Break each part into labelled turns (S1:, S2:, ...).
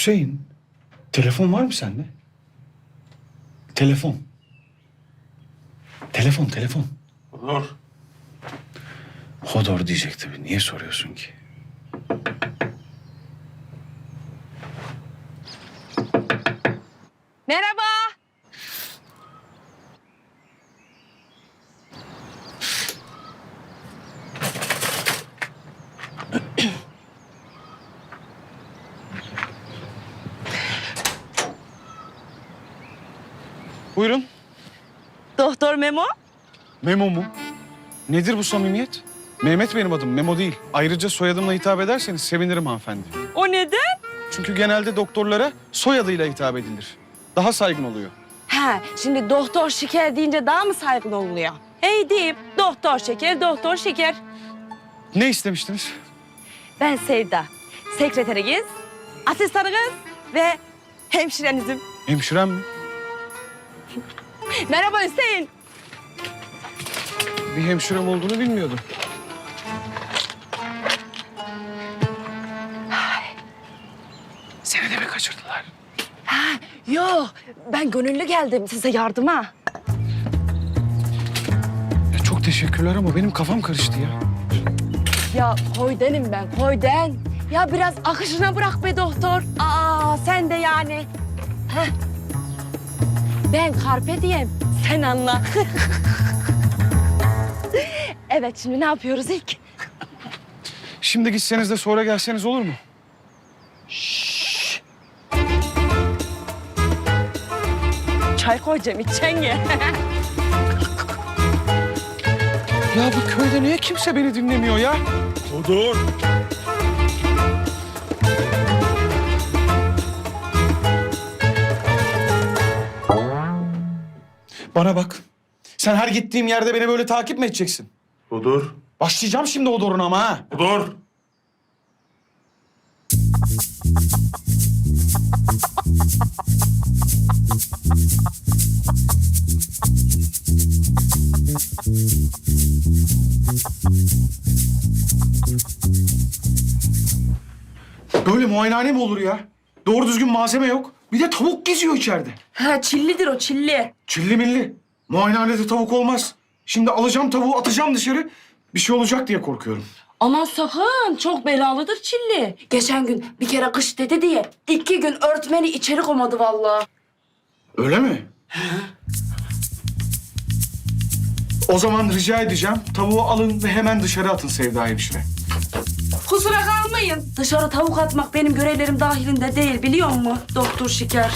S1: Hüseyin, telefon var mı sende? Telefon. Telefon.
S2: Olur.
S1: Hodor diyecek tabii. Niye soruyorsun ki?
S3: Merhaba.
S1: Buyurun.
S3: Doktor Memo.
S1: Memo mu? Nedir bu samimiyet? Mehmet benim adım, Memo değil. Ayrıca soyadımla hitap ederseniz sevinirim hanımefendi.
S3: O neden?
S1: Çünkü genelde doktorlara soyadıyla hitap edilir. Daha saygın oluyor.
S3: Ha, şimdi doktor şeker deyince daha mı saygılı oluyor? Hey deyip doktor şeker.
S1: Ne istemiştiniz?
S3: Ben Sevda. Sekreteriniz, asistanınız ve hemşirenizim.
S1: Hemşirem mi?
S3: Merhaba Hüseyin.
S1: Bir hemşirem olduğunu bilmiyordum. Seni de mi kaçırdılar?
S3: Yok, ben gönüllü geldim size yardıma.
S1: Ya çok teşekkürler ama benim kafam karıştı ya.
S3: Ya koydenim ben, koyden. Ya biraz akışına bırak be doktor. Aa, sen de yani. Heh. Ben Carpe diem, sen anla. Evet, şimdi ne yapıyoruz ilk?
S1: Şimdi gitseniz de sonra gelseniz olur mu?
S3: Çay koyacağım, içeceksin ya.
S1: Ya bu köyde niye kimse beni dinlemiyor ya?
S2: Olur.
S1: Bana bak. Sen her gittiğim yerde beni böyle takip mi edeceksin?
S2: Olur.
S1: Başlayacağım şimdi o doruna ama ha.
S2: Olur.
S1: Böyle muayenehane mi olur ya? Doğru düzgün malzeme yok. Bir de tavuk geziyor içeride.
S3: Ha, çillidir o, çilli.
S1: Çilli milli. Muayenehanede tavuk olmaz. Şimdi alacağım tavuğu atacağım dışarı. Bir şey olacak diye korkuyorum.
S3: Aman sakın, çok belalıdır çilli. Geçen gün bir kere kış dedi diye 2 gün örtmeni içeri koymadı vallahi.
S1: Öyle mi? O zaman rica edeceğim. Tavuğu alın ve hemen dışarı atın Sevda hemşire.
S3: Kusura kalmayın. Dışarı tavuk atmak benim görevlerim dahilinde değil, biliyor musun doktor şeker?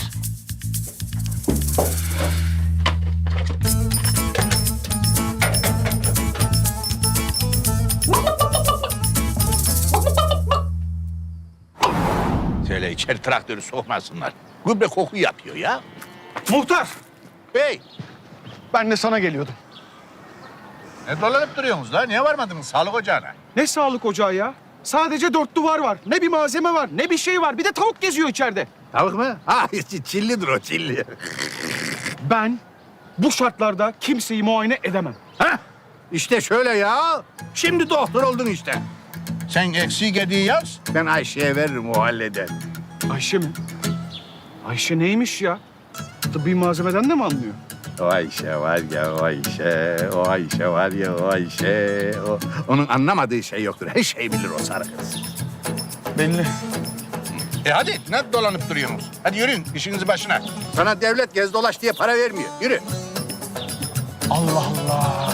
S4: Söyle içeri traktörü sokmasınlar. Gübre koku yapıyor ya.
S1: Muhtar,
S4: Bey,
S1: ben de sana geliyordum.
S4: ne dolanıp duruyorsunuz la? Niye varmadınız sağlık ocağına?
S1: Ne sağlık ocağı ya? Sadece 4 duvar var. Ne bir malzeme var, ne bir şey var. Bir de tavuk geziyor içeride.
S4: Tavuk mu? Ha, çillidir o, çilli.
S1: Ben bu şartlarda kimseyi muayene edemem.
S4: Ha? İşte şöyle ya. Şimdi doktor oldun işte. Sen eksiği gediği yaz, ben Ayşe'ye veririm, o halleder.
S1: Ayşe mi? Ayşe neymiş ya? Tıbbi malzemeden de mi anlıyor?
S4: O Ayşe var ya, o Ayşe. O Ayşe var ya, o Ayşe. Onun anlamadığı şey yoktur. Her şeyi bilir o sarı kız.
S1: Belli.
S4: Hadi, ne dolanıp duruyorsunuz? Hadi yürüyün, işinizi başına. Sana devlet gez dolaş diye para vermiyor. Yürü.
S1: Allah Allah.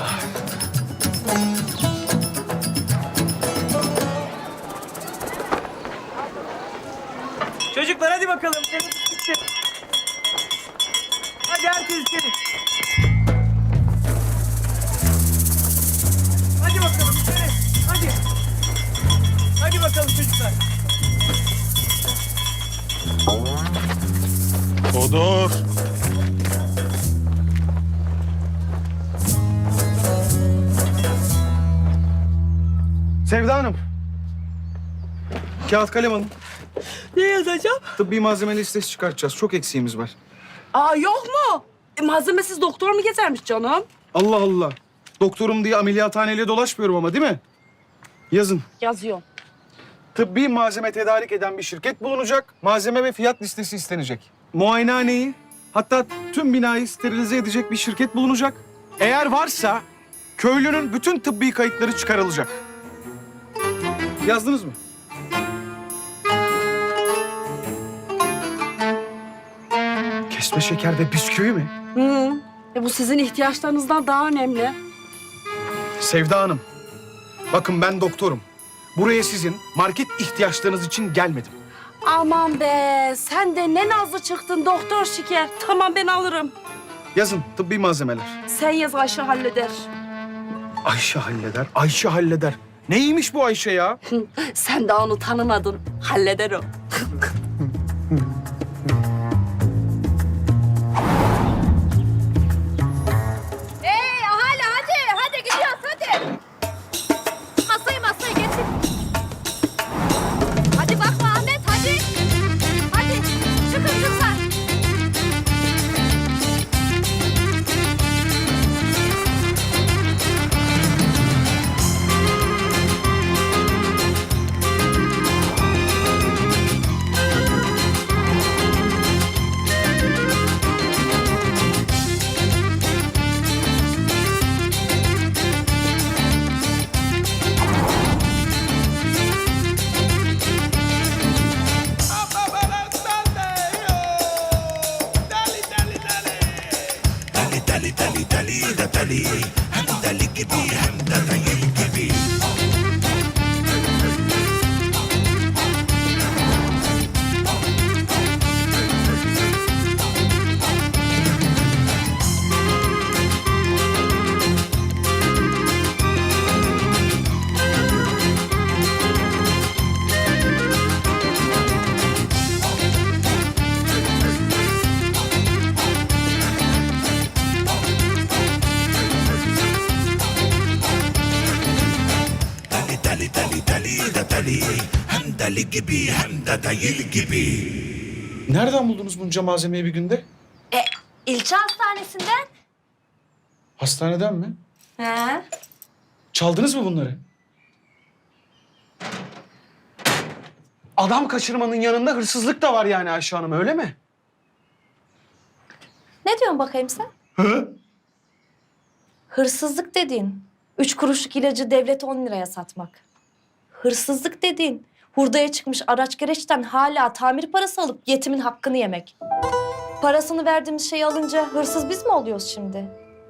S5: Çocuklar hadi bakalım. Teneffüs bitti. Hadi herkes içeri. Hadi bakalım içeri. Hadi. Hadi bakalım çocuklar.
S2: Olur.
S1: Sevda Hanım. Kağıt kalem alın.
S3: Ne yazacağım?
S1: Tıbbi malzeme listesi çıkartacağız. Çok eksiğimiz var.
S3: Aa, yok mu? Malzemesiz doktor mu gezermiş canım?
S1: Allah Allah. Doktorum diye ameliyathaneyle dolaşmıyorum ama değil mi? Yazın.
S3: Yazıyorum.
S1: tıbbi malzeme tedarik eden bir şirket bulunacak. Malzeme ve fiyat listesi istenecek. Muayenehaneyi, hatta tüm binayı sterilize edecek bir şirket bulunacak. Eğer varsa köylünün bütün tıbbi kayıtları çıkarılacak. Yazdınız mı? Kesme şeker ve bisküvi mi?
S3: Bu sizin ihtiyaçlarınızdan daha önemli.
S1: Sevda Hanım, bakın ben doktorum. Buraya sizin market ihtiyaçlarınız için gelmedim.
S3: Aman be, sen de ne nazlı çıktın doktor şeker. Tamam, ben alırım.
S1: Yazın tıbbi malzemeler.
S3: Sen yaz, Ayşe halleder.
S1: Ayşe halleder, Ayşe halleder. Neymiş bu Ayşe ya?
S3: Sen daha onu tanımadın. Halleder o.
S6: Ahali hadi gidiyoruz hadi. Masayı getir. Hadi bakma Ahmet hadi. Hadi çıkın kızlar.
S1: Nereden buldunuz bunca malzemeyi bir günde?
S6: İlçe hastanesinden.
S1: Hastaneden mi?
S6: He.
S1: Çaldınız mı bunları? Adam kaçırmanın yanında hırsızlık da var yani Ayşe Hanım, öyle mi?
S6: Ne diyorsun bakayım sen?
S1: Hı?
S6: Hırsızlık dediğin 3 kuruşluk ilacı devlete 10 liraya satmak. Hırsızlık dediğin hurdaya çıkmış araç gereçten hala tamir parası alıp yetimin hakkını yemek. Parasını verdiğimiz şeyi alınca hırsız biz mi oluyoruz şimdi?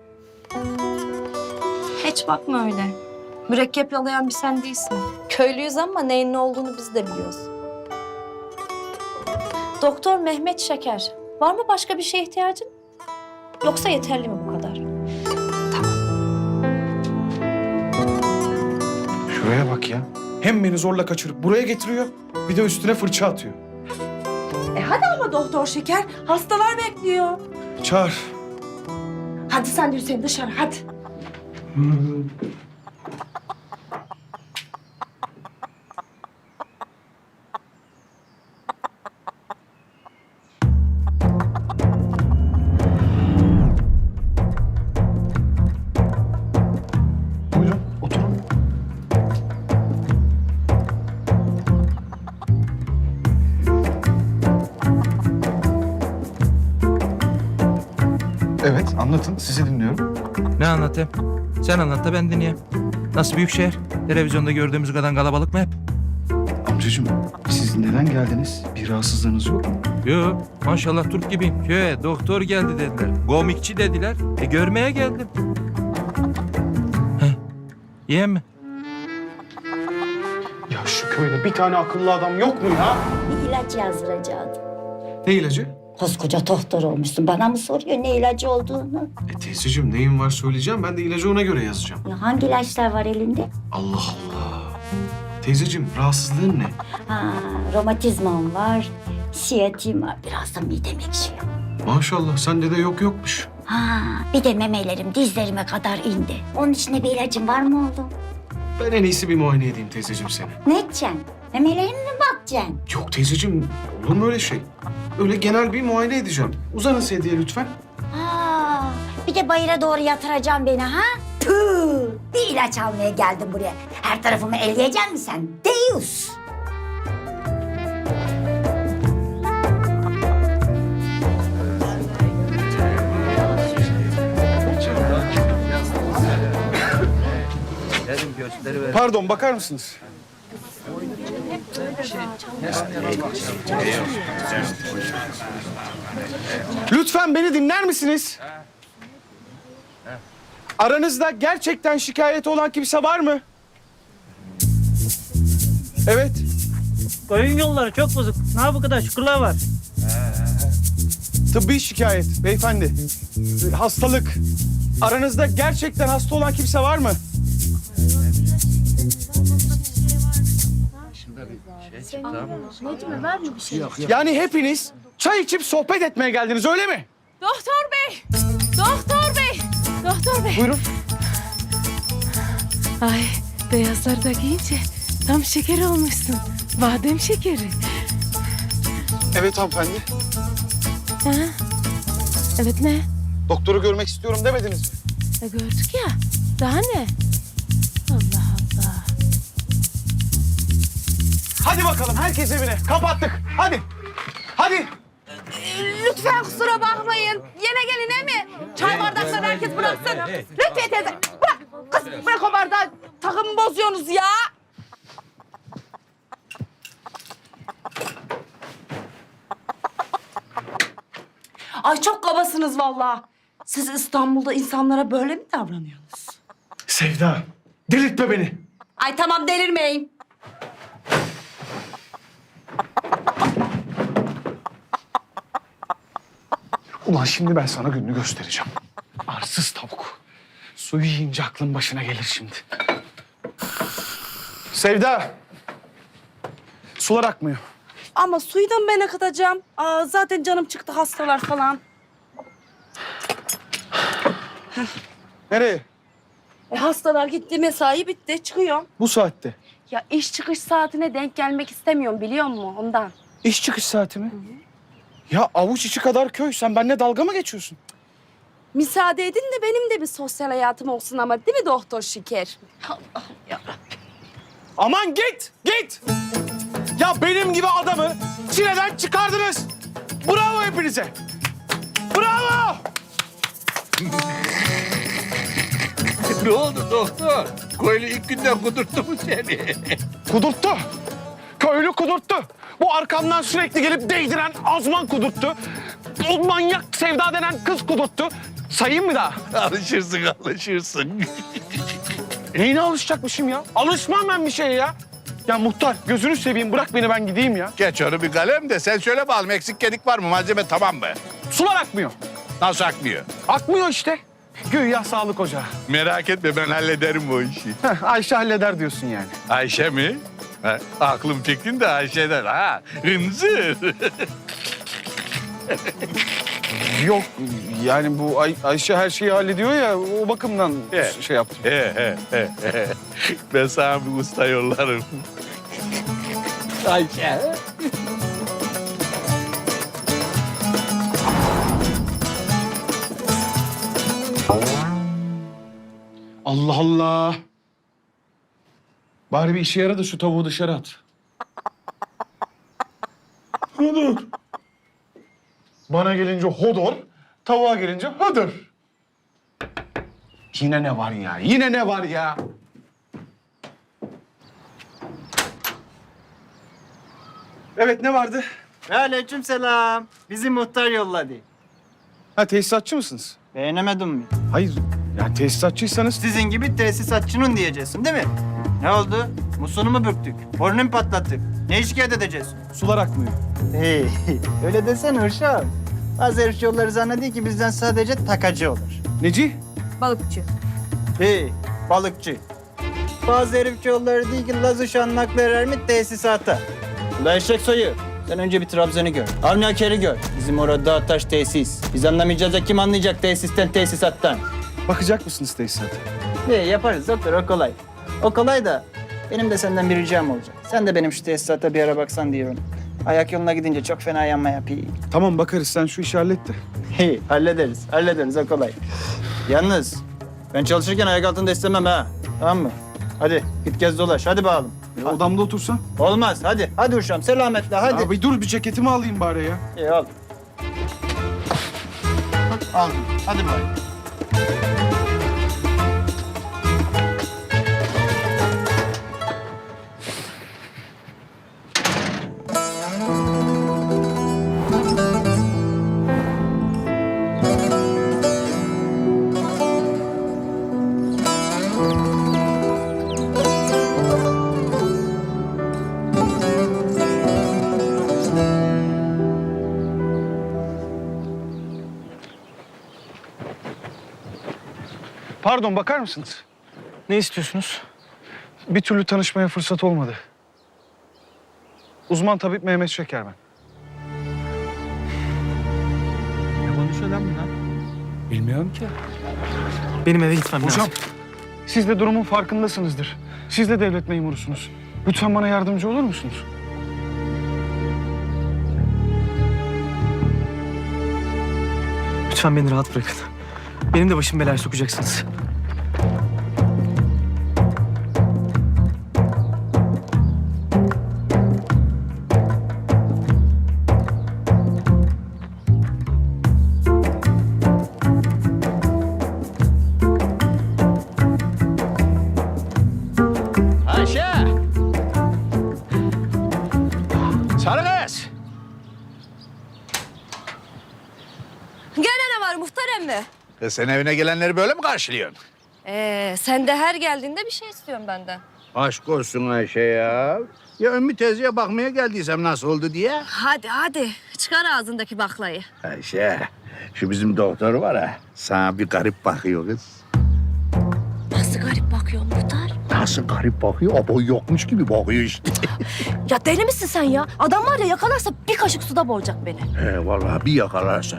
S6: Hiç bakma öyle. Mürekkep yalayan bir sen değilsin. Köylüyüz ama neyin ne olduğunu biz de biliyoruz. Doktor Mehmet Şeker. Var mı başka bir şeye ihtiyacın? Yoksa yeterli mi bu kadar?
S1: Şuraya bak ya. Hem beni zorla kaçırıp buraya getiriyor, bir de üstüne fırça atıyor.
S3: Hadi ama doktor şeker, hastalar bekliyor.
S1: Çağır.
S3: Hadi sen de Hüseyin dışarı, hadi.
S1: Buyurun, oturun. Evet, anlatın. Sizi dinliyorum.
S7: Ne anlatayım? Sen anlat da ben dinleyeyim. Nasıl büyük şehir? Televizyonda gördüğümüz kadar kalabalık mı hep?
S1: Amcacığım, siz neden geldiniz? Bir rahatsızlığınız yok mu?
S7: Yok, maşallah Türk gibiyim. Köye doktor geldi dediler. Komikçi dediler. Görmeye geldim. Heh, yiyeyim mi?
S1: Ya şu köyde bir tane akıllı adam yok mu ya?
S8: Bir ilaç yazdıracaktım.
S1: Ne ilacı?
S8: Koskoca doktor olmuşsun. Bana mı soruyor ne ilacı olduğunu?
S1: Teyzeciğim, neyin var söyleyeceğim. Ben de ilacı ona göre yazacağım.
S8: Ya hangi ilaçlar var elinde?
S1: Allah Allah. Teyzeciğim, rahatsızlığın ne?
S8: Ha, romatizmam var, siyatim var. Biraz da midem ekşiyor.
S1: Maşallah, sende de yokmuş.
S8: Ha, bir de memelerim dizlerime kadar indi. Onun için de bir ilacın var mı oğlum?
S1: Ben en iyisi bir muayene edeyim teyzeciğim seni.
S8: Ne edeceksin? Memelerine mi bakacaksın?
S1: Yok teyzeciğim, olur mu öyle şey? Öyle genel bir muayene edeceğim. Uzanın sedyeye lütfen.
S8: Ha, bir de bayıra doğru yatıracağım beni ha? Tüh! Bir ilaç almaya geldim buraya. Her tarafımı elleyecek misin sen? Deus!
S7: gösteriver.
S1: Pardon, bakar mısınız? Lütfen beni dinler misiniz? Aranızda gerçekten şikayeti olan kimse var mı? Evet.
S5: Koyun yolları çok bozuk. Ne bu kadar şükürler var.
S1: Tıbbi şikayet beyefendi. Hastalık. Aranızda gerçekten hasta olan kimse var mı? Yani hepiniz çay içip sohbet etmeye geldiniz öyle mi?
S3: Doktor bey! Doktor bey! Doktor bey!
S1: Buyurun.
S3: Ay beyazları da giyince tam şeker olmuşsun. Badem şekeri.
S1: Evet hanımefendi.
S3: Ha? Evet ne?
S1: Doktoru görmek istiyorum demediniz mi?
S3: Gördük ya. Daha ne? Allah Allah.
S1: Hadi bakalım herkes evine. Kapattık. Hadi. Hadi.
S3: Lütfen kusura bakmayın. Yine gelin mi? Çay bardaklarını herkes bıraksın. Lütfen teyze. Bırak. Kız bırak o bardağı. Takımı bozuyorsunuz ya. Ay çok kabasınız vallahi. Siz İstanbul'da insanlara böyle mi davranıyorsunuz?
S1: Sevda, delirtme beni.
S3: Ay tamam delirmeyin.
S1: Ulan şimdi ben sana gününü göstereceğim. Arsız tavuk. Suyu yiyince aklın başına gelir şimdi. Sevda. Sular akmıyor.
S3: Ama suyu da mı ben akıtacağım? Aa, zaten canım çıktı hastalar falan.
S1: Nereye?
S3: Hastalar gitti, mesai bitti. Çıkıyorum.
S1: Bu saatte.
S3: Ya iş çıkış saatine denk gelmek istemiyorum biliyor musun ondan?
S1: İş çıkış saati mi? Ya avuç içi kadar köy. Sen benimle dalga mı geçiyorsun?
S3: Müsaade edin de benim de bir sosyal hayatım olsun ama değil mi doktor Şeker? Allah'ım yarabbim.
S1: Aman git, git. Ya benim gibi adamı çileden çıkardınız. Bravo hepinize. Bravo.
S4: Ne oldu doktor? Köylü ilk günden kudurttu mu seni?
S1: Kudurttu. Köylü kudurttu. Bu arkamdan sürekli gelip değdiren azman kudurttu. O manyak Sevda denen kız kudurttu. Sayayım mı daha?
S4: Alışırsın, alışırsın.
S1: Neyine alışacakmışım ya? Alışmam ben bir şeye ya. Ya muhtar gözünü seveyim bırak beni ben gideyim ya.
S4: Geç onu bir kalem de sen söyle bakalım eksik gedik var mı? Malzeme tamam mı?
S1: Sular akmıyor.
S4: Nasıl akmıyor?
S1: Akmıyor işte. Güya sağlık ocağı.
S4: Merak etme ben hallederim bu işi.
S1: Heh, Ayşe halleder diyorsun yani.
S4: Ayşe mi? Ha, aklım fikrin de Ayşe'den ha. Hınzır.
S1: Yok yani bu Ayşe her şeyi hallediyor ya o bakımdan
S4: Evet.
S1: şey yaptım.
S4: Ben sana bir usta yollarım. Ayşe.
S1: Allah Allah. Bari bir işe yara da şu tavuğu dışarı at. Hodor. Bana gelince hodor, tavuğa gelince hodor. Yine ne var ya? Yine ne var ya? Evet ne vardı?
S5: Aleykümselam. Bizi muhtar yolladı.
S1: Ha tesisatçı mısınız?
S5: Beğenemedin mi?
S1: Hayır. Yani tesisatçıysanız
S5: Sizin gibi tesisatçının diyeceksin değil mi? Ne oldu? Musluğunu mu bürktük? Borunu mu patlattık? Ne şikayet edeceğiz?
S1: sular akmıyor.
S5: Hey, öyle desene Hırşam. Bazı herif yolları zannediyor ki bizden sadece takacı olur.
S1: Neci?
S3: Balıkçı.
S5: Hey, balıkçı. Bazı herif yolları değil ki Laz uşağının aklı erer mi tesisata. Ula eşek soyu. Sen önce bir Trabzon'u gör. Avni Aker'i gör. Bizim orada dağ taş tesis. Biz anlamayacağız da kim anlayacak tesisten tesisattan?
S1: Bakacak mısınız tesisata?
S5: Yaparız doktor o kolay. O kolay da benim de senden bir ricam olacak. Sen de benim şu tesisata bir ara baksan diyorum. Ayak yoluna gidince çok fena yanma yapıyor.
S1: Tamam bakarız sen şu işi hallet de.
S5: Hey, hallederiz o kolay. Yalnız ben çalışırken ayak altında istemem ha. Tamam mı? Hadi git gez dolaş hadi bakalım.
S1: Odamda otursan.
S5: Olmaz hadi. Hadi uşağım selametle hadi.
S1: Ya bir dur bir ceketimi alayım bari ya.
S5: İyi al. Al hadi bari.
S1: Pardon, bakar mısınız?
S5: Ne istiyorsunuz?
S1: Bir türlü tanışmaya fırsat olmadı. Uzman tabip Mehmet Şeker ben.
S5: Ne konuşuyor lan bunlar?
S1: Bilmiyorum ki.
S5: Benim eve gitmem
S1: Hocam,
S5: lazım.
S1: siz de durumun farkındasınızdır. Siz de devlet memurusunuz. Lütfen bana yardımcı olur musunuz?
S5: Lütfen beni rahat bırakın. Benim de başım belaya sokacaksınız.
S4: Ayşe! Sarı kız!
S6: Gene ne var muhtar emmi?
S4: Kız sen evine gelenleri böyle mi karşılıyorsun?
S6: Sen de her geldiğinde bir şey istiyorsun benden.
S4: Aşk olsun Ayşe ya. Ya Ümmü teyzeye bakmaya geldiysem nasıl oldu diye.
S6: Hadi çıkar ağzındaki baklayı.
S4: Ayşe, şu bizim doktor var ha. Sana bir garip bakıyor kız.
S6: Nasıl garip bakıyor muhtar?
S4: Nasıl garip bakıyor? Abo yokmuş gibi bakıyor işte.
S6: Ya deli misin sen ya? Adam var ya yakalarsa bir kaşık suda boğacak beni.
S4: He vallahi bir yakalarsan.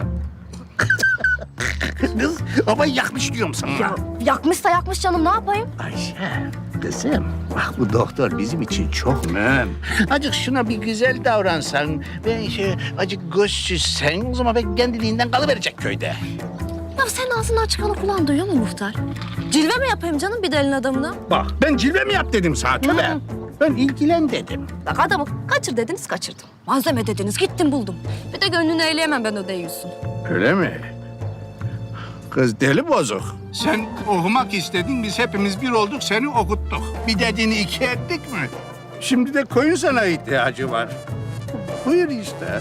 S4: Kız ama yakmış diyorum sana.
S6: Ya yakmışsa yakmış canım ne yapayım?
S4: Ayşe, kızım bak bu doktor bizim için çok mühim. Acık şuna bir güzel davransan, ben acık göz süzsen o zaman ben kendiliğinden kalıverecek köyde.
S6: Ya sen ağzından çıkanı kulağın duyuyor mu muhtar? Cilve mi yapayım canım bir delin adamına?
S4: Bak ben cilve mi yap dedim sana tövbe.
S6: Hı.
S4: Ben ilgilen dedim.
S6: Bak adamı kaçır dediniz kaçırdım. Malzeme dediniz gittim buldum. Bir de gönlünü eğleyemem ben o deyiyorsun.
S4: Öyle mi? Kız deli bozuk. Sen okumak istedin, biz hepimiz bir olduk, seni okuttuk. Bir dediğini iki ettik mi? Şimdi de koyun sana ihtiyacı var. Buyur işte.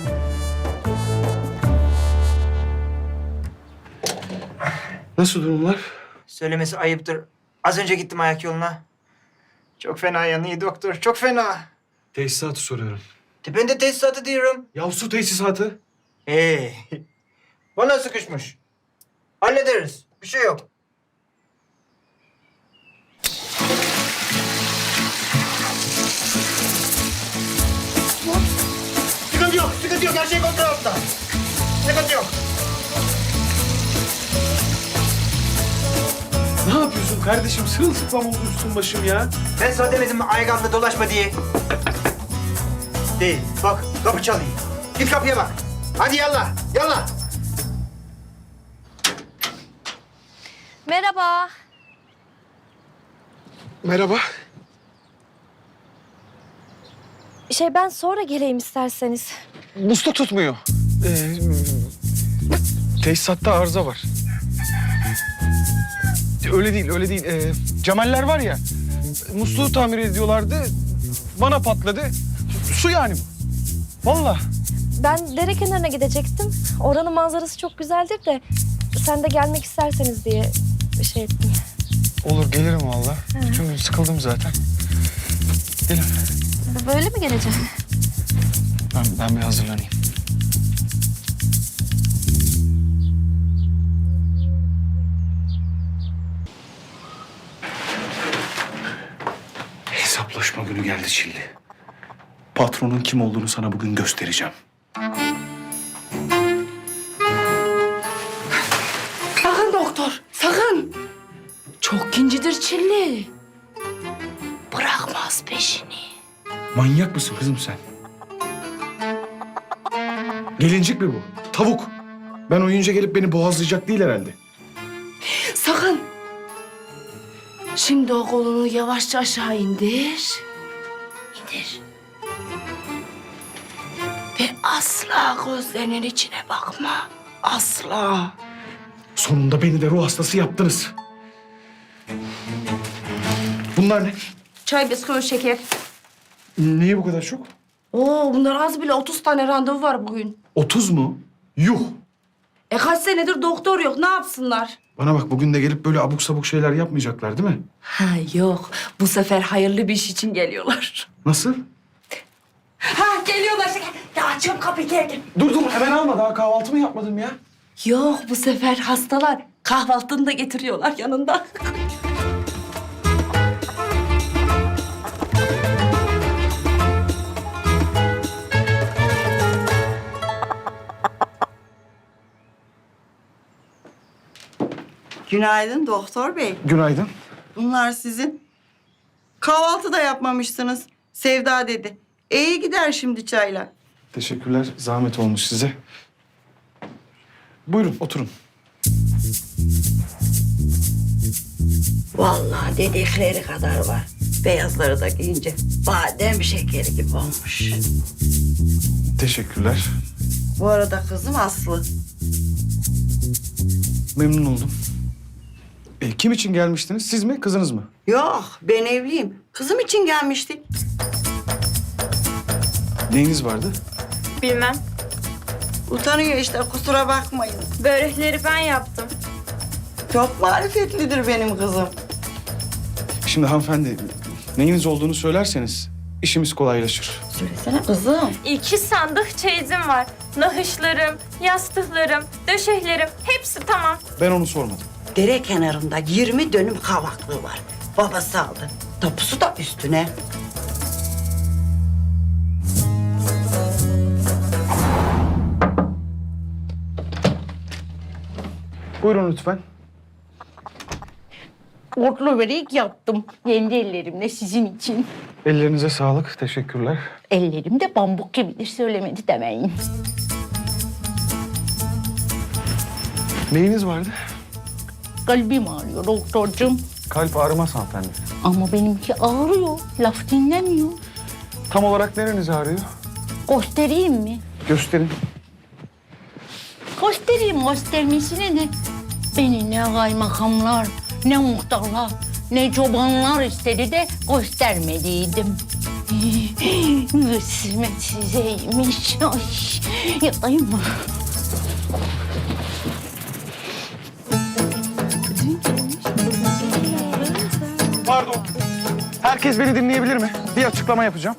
S1: Nasıl durumlar?
S5: Söylemesi ayıptır. Az önce gittim ayak yoluna. Çok fena yanıyor doktor, çok fena.
S1: Tesisatı soruyorum.
S5: Ben de tesisatı diyorum.
S1: Ya su tesisatı.
S5: Bana sıkışmış. Hallederiz. Bir şey yok. Sıkıntı yok, sıkıntı yok. Her şey kontrol altında. Sıkıntı yok.
S1: Ne yapıyorsun kardeşim? Sırılsıklam oldu üstün başım ya.
S5: Ben sana demedim mi ayganla dolaşma diye? Değil. Bak kapı çalıyor. Git kapıya bak. Hadi yallah, yallah.
S6: Merhaba.
S1: Merhaba.
S6: Ben sonra geleyim isterseniz.
S1: Musluk tutmuyor. Tesisatta arıza var. Öyle değil, öyle değil. Cemaller var ya, musluğu tamir ediyorlardı. Bana patladı. Su yani bu. Vallahi.
S6: Ben dere kenarına gidecektim. Oranın manzarası çok güzeldir de sen de gelmek isterseniz diye şey ettim.
S1: Olur, gelirim vallahi. Bütün gün sıkıldım zaten. Gelin.
S6: Böyle mi geleceğim?
S1: Ben bir hazırlanayım. Hesaplaşma günü geldi Çilli. Patronun kim olduğunu sana bugün göstereceğim.
S3: Sakın doktor, sakın. Çok kincidir Çilli. Bırakmaz peşini.
S1: Manyak mısın kızım sen? Gelincik mi bu? Tavuk. Ben oyunca gelip beni boğazlayacak değil herhalde.
S3: Sakın. Şimdi o kolunu yavaşça aşağı indir. İndir. Ve asla gözlerinin içine bakma. Asla.
S1: Sonunda beni de ruh hastası yaptınız. Bunlar ne?
S3: Çay, bisküvi, şeker.
S1: Niye bu kadar çok?
S3: Oo, bunlar az bile 30 tane randevu var bugün.
S1: 30 mu? Yuh!
S3: Kaç senedir doktor yok, ne yapsınlar?
S1: Bana bak, bugün de gelip böyle abuk sabuk şeyler yapmayacaklar değil mi?
S3: Ha yok, bu sefer hayırlı bir iş için geliyorlar.
S1: Nasıl?
S3: Ha geliyorlar şeker. Ya açıyorum kapıyı geldim.
S1: Dur hemen alma, daha kahvaltımı yapmadım ya.
S3: Yok bu sefer hastalar Kahvaltını da getiriyorlar yanında.
S9: Günaydın doktor bey.
S1: Günaydın.
S9: Bunlar sizin. Kahvaltı da yapmamışsınız. Sevda dedi. İyi gider şimdi çayla.
S1: Teşekkürler. Zahmet olmuş size. Buyurun oturun.
S9: Vallahi dedikleri kadar var. Beyazları da giyince badem şekeri gibi olmuş.
S1: Teşekkürler.
S9: Bu arada kızım Aslı.
S1: Memnun oldum. Kim için gelmiştiniz? Siz mi, kızınız mı?
S9: Yok ben evliyim. Kızım için gelmiştik.
S1: Neyiniz vardı?
S6: Bilmem.
S9: Utanıyor işte kusura bakmayın.
S6: Börekleri ben yaptım.
S9: Çok marifetlidir benim kızım.
S1: Şimdi hanımefendi, neyiniz olduğunu söylerseniz işimiz kolaylaşır.
S9: Söylesene kızım.
S10: 2 sandık çeyizim var. Nahışlarım, yastıklarım, döşeklerim hepsi tamam.
S1: Ben onu sormadım.
S9: Dere kenarında 20 dönüm kavaklığı var. Babası aldı. Tapusu da üstüne.
S1: Buyurun lütfen.
S11: Otlu börek yaptım. Kendi ellerimle sizin için.
S1: Ellerinize sağlık. Teşekkürler.
S11: Ellerim de pamuk gibidir söylemedi demeyin.
S1: Neyiniz vardı?
S11: Kalbim ağrıyor doktorcum.
S1: Kalp ağrımaz hanımefendi.
S11: Ama benimki ağrıyor. Laf dinlemiyor.
S1: Tam olarak nereniz ağrıyor?
S11: Göstereyim mi?
S1: Gösterin.
S11: Göstermesine de. Beni ne kaymakamlar, ne muhtarlar, ne çobanlar istedi de göstermediydim. Kısmet sizeymiş. Ay, yatayım mı?
S1: Pardon. Herkes beni dinleyebilir mi? Bir açıklama yapacağım.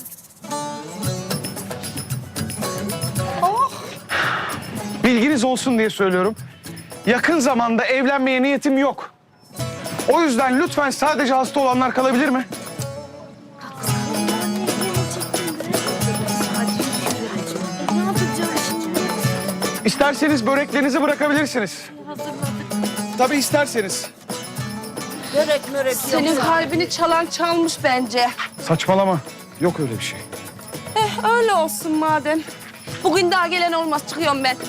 S1: Bilginiz olsun diye söylüyorum. Yakın zamanda evlenmeye niyetim yok. O yüzden lütfen sadece hasta olanlar kalabilir mi? İsterseniz böreklerinizi bırakabilirsiniz. Tabii isterseniz.
S3: Senin kalbini çalan çalmış bence.
S1: Saçmalama. Yok öyle bir şey.
S3: Öyle olsun madem. Bugün daha gelen olmaz, çıkıyorum ben.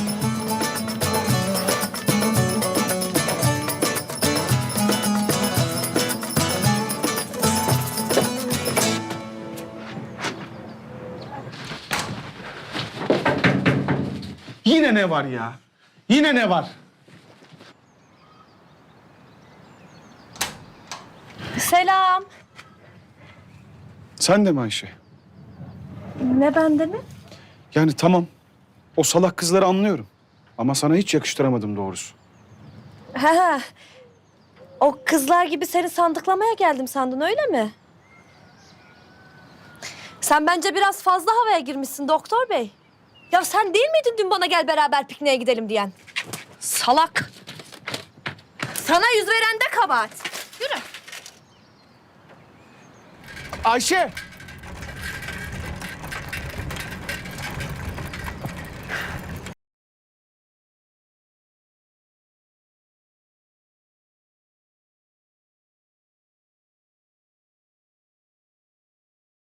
S1: Yine ne var ya? Yine ne var?
S6: Selam.
S1: Sen de mi Ayşe?
S6: Ne bende mi?
S1: Yani tamam. O salak kızları anlıyorum. Ama sana hiç yakıştıramadım doğrusu.
S6: He. O kızlar gibi seni sandıklamaya geldim sandın öyle mi? Sen bence biraz fazla havaya girmişsin doktor bey. Ya sen değil miydin dün bana gel beraber pikniğe gidelim diyen? Salak. Sana yüz veren de kabahat. Yürü.
S1: Ayşe!